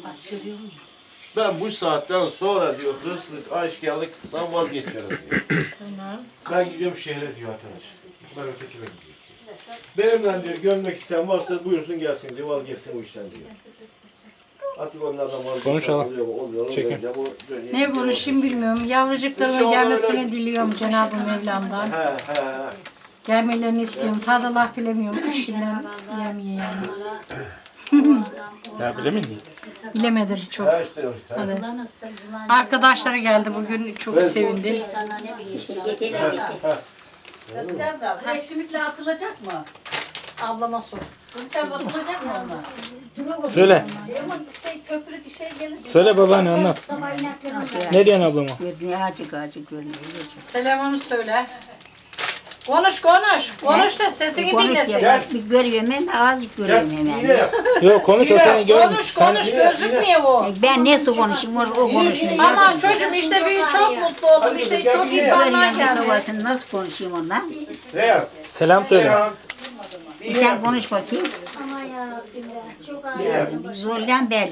Ben bu saatten sonra diyor hırsızlık, aşkarlıktan vazgeçiyorum diyor. Tamam. Ben gidiyorum şehre diyor arkadaş. Ben ötekine gidiyorum. Benimle diyor gömmek isteyen varsa buyursun gelsin diyor, vazgeçsin bu işten diyor. Artık onlardan vazgeçsin. Konuşalım. Çekin. Ne konuşayım bilmiyorum. Yavrucuklarına gelmesini diliyorum Cenab-ı Mevlam'dan. He. Gelmelerini istiyorum. Tadallah bilemiyorum. İşinden yemeye yani. Ya bilemeyin. Bilemedim çok. He işte. Hadi. Arkadaşları geldi bugün. Çok sevindim. Bakacağım da bu ekşimikle atılacak mı? Ablama sor. Sen atılacak mı onlar? Söyle. Ama köprü bir şey gelecek. Söyle babaanne anlat. Ne diyorsun ablama? Gözüne acık görünüyor. Selamını söyle. Konuş. Konuş da sesini Konuş dinlesin. ya, bir görüyorum hemen, azıcık görüyorum hemen. Yok konuş o seni görmüş. Konuş gözükmüyor o. Ben nasıl konuşayım, o konuşmuyor. Ama çocuğum işte bir çok mutlu oldum. İşte çok insanlar Görüyorum geldi. babasını, nasıl konuşayım onunla? Selam söyle. Sen konuş bakayım. Ama ya çok ağır. Zorlayan belli.